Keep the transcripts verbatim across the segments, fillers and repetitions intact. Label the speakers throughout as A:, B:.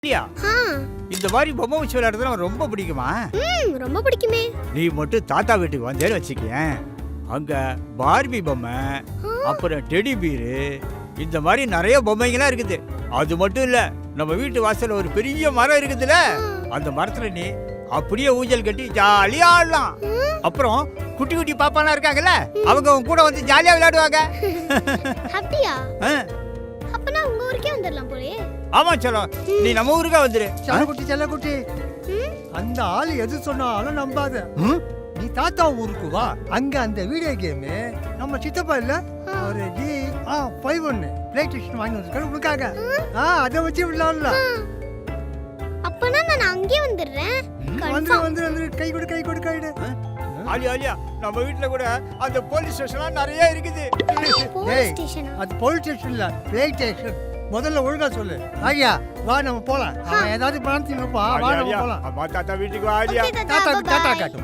A: இல்லையா? இந்த மாதிரி பொம்மை வச்சு விளையாடுறது ரொம்ப பிடிக்குமா?
B: ம் ரொம்ப பிடிக்குமே.
A: நீ மட்டும் தாத்தா வீட்டுக்கு வந்தேன்னு வச்சுக்கேன், அங்க பார்பி பொம்மை, அப்புறம் டெடி பீரு, இந்த மாதிரி நிறைய பொம்மைங்களாம் இருக்குது. அது மட்டும் இல்ல, நம்ம வீட்டு வாசல்ல ஒரு பெரிய மரம் இருக்குதுல்ல, அந்த மரத்துல நீ அப்படியே ஊஞ்சல் கட்டி ஜாலியா ஆடலாம். அப்புறம் குட்டி குட்டி பாப்பாலாம் இருக்காங்கல்ல, அவங்க உன் கூட வந்து ஜாலியா விளையாடுவாங்க.
B: அப்படியா? அப்பனா உங்க ஊருக்கே வந்துடலாம் போலே.
A: ஆமா செல்லம், நீ நம்ம ஊருக்கே வந்துரு.
C: செல்லக்குட்டி செல்லக்குட்டி, அந்த ஆளு எது சொன்னாலும் நம்பாத. நீ தாத்தா ஊருக்கு வா, அங்க அந்த வீடியோ கேம் நம்ம சித்தப்பா இல்ல ஒரு ஜி ஆ ஃபைவ் ஒன்னு பிளே ஸ்டேஷன் வாங்கி வந்திருக்காரு உனக்காக. ஆ அதை வச்சு விளையாடலாம்.
B: அப்பனா நான் அங்கேயே வந்துடுறேன்.
C: வந்து வந்து வந்து கை கொடு கை கொடு கை கொடு.
A: ஆலியா ஆலியா, நம்ம வீட்ல கூட அந்த போலீஸ் ஸ்டேஷன்லாம் நிறைய இருக்குது.
B: போலீஸ் ஸ்டேஷனா?
C: அது போலீஸ் ஸ்டேஷன் இல்ல, பிளே ஸ்டேஷன். முதல்ல ஒழுங்கா சொல்லு. ஆலியா வா நம்ம போலாம். அவன் ஏதாவது பணம் இருப்பா, வா நம்ம போலாம்.
A: அம்மா தாத்தா வீட்டுக்கு வா ஆலியா.
C: தாத்தா தாத்தா காட்டுமா.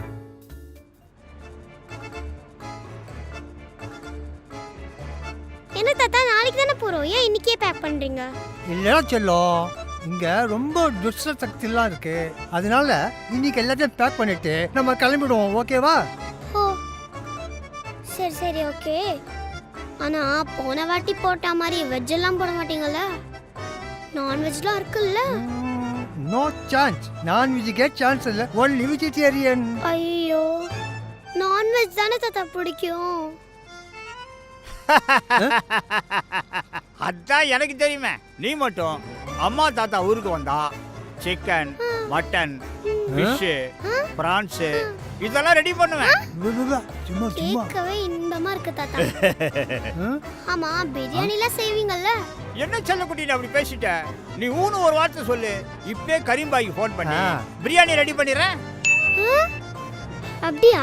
B: என்ன தாத்தா, நாளைக்கு தானே போறோம், ஏன் இன்னைக்கே பேக் பண்றீங்க?
C: இல்லடா செல்லம், இங்க ரொம்ப துஷ்ட சக்திலாம் இருக்கு, அதனால இன்னைக்கு எல்லாத்தையும் பேக் பண்ணிட்டு நம்ம கிளம்பிடுவோம். ஓகேவா?
B: ஓ சரி சரி ஓகே. ஆனா போன வாட்டி போட்ட மாதிரி வெஜ் எல்லாம் போட மாட்டீங்கல்ல? நான்வெஜ்லாம் இருக்குல்ல?
C: No chance. நான்வெஜ்க்கே சான்ஸ் இல்ல, ஒன்லி வெஜிடேரியன்.
B: ஐயோ, நான்வெஜ் தானே தாத்தா பிடிக்கும்.
A: அதான் எனக்கு தெரியுமே. நீ மட்டும் அம்மா தாத்தா ஊருக்கு வந்தா சிக்கன், மட்டன், ஃபிஷ், பிரான்ஸ் இதெல்லாம் ரெடி பண்ணுவேன்.
C: சும்மா சும்மா
B: கேட்கவே இன்பமா இருக்கு தாத்தா. ஆமா, பிரியாணிலாம் செய்வீங்கல்ல?
A: என்ன செல்லக்குட்டி அப்படி பேசிட்ட? நீ ஊனு ஒரு வார்த்தை சொல்லு, இப்பே கரீம்பாய்க்கு ஃபோன் பண்ணி பிரியாணி ரெடி பண்ணிடுறேன்.
B: அப்படியா?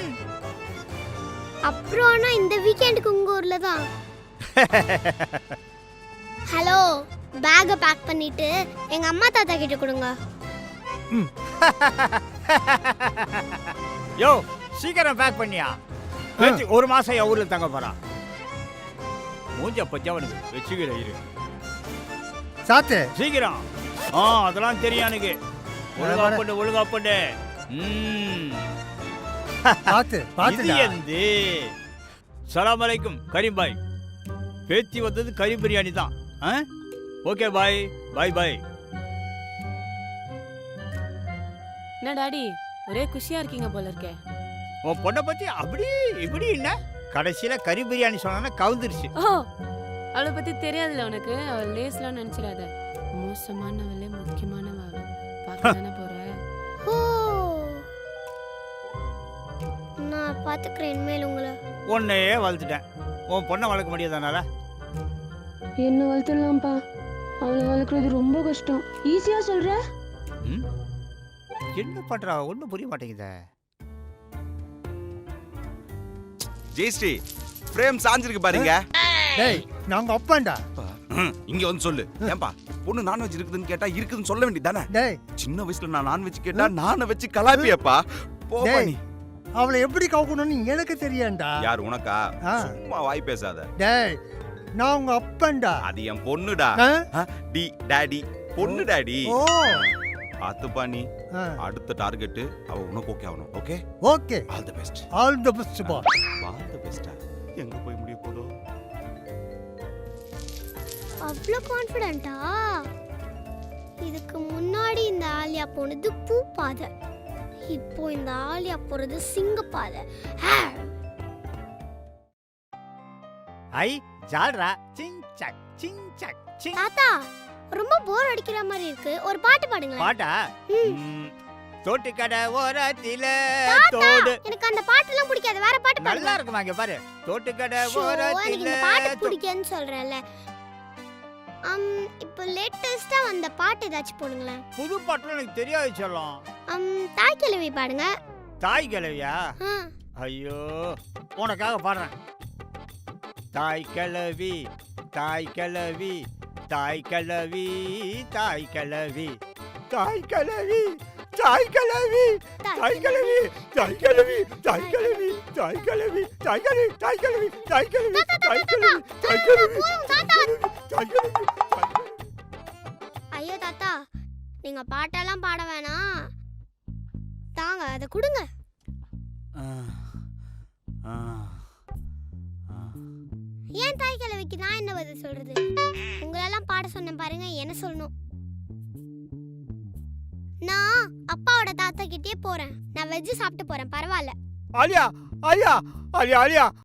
B: அப்புறம் ஆனா இந்த வீக்கெண்டுக்கு உங்க ஊர்ல தான். ஹலோ, பேக்க பேக் பண்ணிட்டு எங்க அம்மா தாத்தா கிட்ட கொடுங்க.
A: யோ சீக்கிரம் பேக் பண்ணியா? ஒரு மாசம் என் ஊர்ல தங்க போறான். மூஞ்ச பச்சவனுக்கு வச்சுக்கிற இரு
C: சாத்து
A: சீக்கிரம். ஆ அதெல்லாம் தெரியும் எனக்கு. ஒழுங்கா பண்ணு ஒழுங்கா பண்ணு. ம்
C: பாத்து பாத்து
A: எந்து. சலாம் அலைக்கும் கரீம் பாய். பேத்தி வந்தது கறி பிரியாணி தான். Okay bye bye bye.
D: என்ன டாடி ஒரே குஷியா இருக்கீங்க போல இருக்கே.
A: உன் பொண்ணை பத்தி அப்படி இப்படி என்ன கடைசியில கறி பிரியாணி சொன்னா கவுந்துருச்சு.
D: ஓ அவளை பத்தி தெரியாதுல்ல உனக்கு. அவள் லேஸ்லாம் நினைச்சிடாத. மோசமானவளே முக்கியமானவ. பார்க்க தானே போற.
B: ஓ நான் பாத்துக்கிறேன் இனிமேல் உங்களை.
A: உன்னையே வளர்த்துட்டேன், உன் பொண்ணை வளர்க்க முடியாதனால.
E: என்ன வளர்த்துடலாம்ப்பா, அவளை வளர்க்குறது ரொம்ப கஷ்டம். ஈஸியா சொல்ற.
A: என்ன பண்றா ஒண்ணும் புரிய மாட்டேங்குதே.
F: ஜெயஸ்ரீ பிரேம் சாஞ்சிருக்கு பாருங்க.
C: டேய் நாங்க அப்பாண்டா.
F: இங்க வந்து சொல்லு. ஏன்பா பொண்ணு நான்வெஜ் இருக்குதுன்னு கேட்டா இருக்குதுன்னு சொல்ல வேண்டியதானே?
C: டேய்
F: சின்ன வயசுல நான் நான்வெஜ் கேட்டா நானை வச்சு கலாப்பியப்பா. போப்பா நீ.
C: அவளை எப்படி கவுக்கணும்னு எனக்கு தெரியாண்டா.
F: யார் உனக்கா? சும்மா வாய் பேசாத.
C: டேய் நான் உங்க அப்பன்டா.
F: அது என் பொண்ணுடா. டி டாடி பொண்ணு டாடி.
C: ஓ
F: பாத்துப்பா நீ. அடுத்த டார்கெட் அவ உனக்கு ஓகே ஆகணும். Okay
C: okay.
F: All the best.
C: All the best பா.
F: All the best. எங்க போய் முடிய போதோ.
B: அவ்வளோ கான்ஃபிடென்ட்டா? இதுக்கு முன்னாடி இந்த ஆலியா போனது பூ பாதை, இப்போ இந்த ஆலியா போறது சிங்க பாதை.
A: ஐ ஜால்ரா சிங் சக் சிங் சக் சிங்.
B: தாத்தா ரொம்ப போர் அடிக்கிற மாதிரி இருக்கு, ஒரு பாட்டு பாடுங்க.
A: பாட்டா? தோட்டு கடை ஓரத்தில
B: தாத்தா
A: தோடு.
B: எனக்கு அந்த பாட்டுலாம் பிடிக்காது, வேற பாட்டு பாடுங்க.
A: நல்லா இருக்குமா? இங்க பாரு. தோட்டு கடை
B: எனக்கு
A: ஓரத்தில
B: இந்த பாட்டு பிடிக்கும்னு சொல்றேன்ல. அம் இப்போ லேட்டஸ்டா வந்த பாட்டு ஏதாச்சும் போடுங்களேன்.
A: புது பாட்டுல எனக்கு தெரியாது செல்லம்.
B: அம் தாய் கிழவி பாடுங்க.
A: தாய் கிழவியா? ஐயோ உனக்காக பாடுறேன். தாய் கிழவி தாய் கிழவி தாய் கிழவி தாய் கிழவி தாய் கிழவி தாய் கிழவி தாய் கிழவி தாய் கிழவி தாய் கிழவி தாய் கிழவி தாய் கிழவி தாய் கிழவி தாய் கிழவி தாய் கிழவி தாய் கிழவி தாய் கிழவி.
B: ஐயோ தாத்தா தாத்தா நீங்க பாட்டெல்லாம் பாட வேணாம், தாங்க அதை கொடுங்க.
A: ஆ, ஆ, ஆ.
B: ஏன் தாய் கிழவிக்கு நான் என்ன பதில் சொல்றது? உங்களெல்லாம் பாட சொன்னேன் பாருங்க, என்ன சொல்லணும்? நான் அப்பாவோட தாத்தா கிட்டே போறேன். நான் வெஜ் சாப்பிட்டு போறேன், பரவாயில்ல.
A: ஆலியா ஆலியா ஆலியா ஆலியா